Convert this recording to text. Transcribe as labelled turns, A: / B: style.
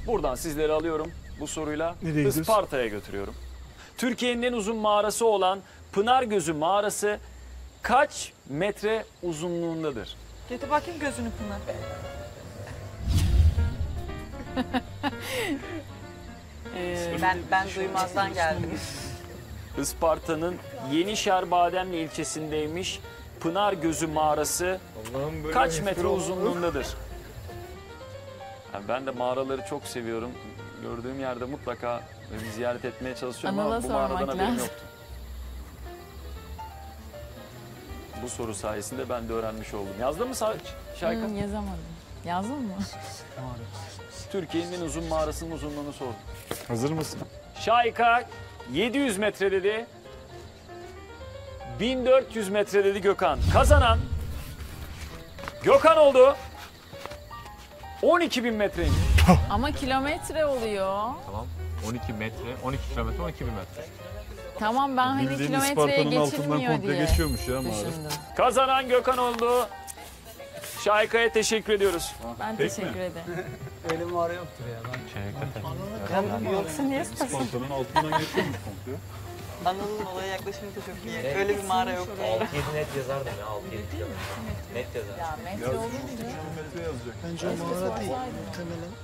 A: Buradan sizleri alıyorum bu soruyla.
B: Nereye gidiyoruz?
A: Isparta'ya götürüyorum. Türkiye'nin en uzun mağarası olan Pınargözü mağarası kaç metre uzunluğundadır?
C: Getir bakayım gözünü Pınar. Ben duymazdan geldim.
A: Isparta'nın Yenişehir-Bademli ilçesindeymiş Pınargözü mağarası kaç metre uzunluğundadır? Yani ben de mağaraları çok seviyorum. Gördüğüm yerde mutlaka bir ziyaret etmeye çalışıyorum
D: Anıl'a
A: ama bu mağaradan
D: sormak
A: haberim
D: lazım.
A: yoktu. Bu soru sayesinde ben de öğrenmiş oldum. Yazdın mı Şayka?
D: Yazamadım. Yazdın mı?
A: Türkiye'nin en uzun mağarasının uzunluğunu sordum.
B: Hazır mısın?
A: Şayka 700 metre dedi. 1400 metre dedi Gökhan. Kazanan Gökhan oldu. 12.000 metreymiş.
D: Ama kilometre oluyor.
E: Tamam. 12 metre, 12 kilometre, 12 bin metre.
D: Tamam ben hani
B: Bildiğin
D: kilometreye
B: Isparta'nın altından
D: geçilmiyor
B: komple
D: diye
B: geçiyormuş ya mağara.
D: düşündüm.
A: Kazanan Gökhan oldu. Şayka'ya teşekkür ediyoruz.
D: Ben teşekkür ederim.
F: Öyle mağara yoktur ya.
C: Yoksa niye sorsun?
B: Isparta'nın altından geçiyormuş komple.
C: Anıl'ın olaya yaklaşımı da çok iyi. Öyle bir mağara yok.
E: 6-7 net yazardım ya, 6-7 kilometre. Net yazardım.
D: Ya metre olunca.
B: Kilometre yazacak.
F: Bence o mağara değil. Muhtemelen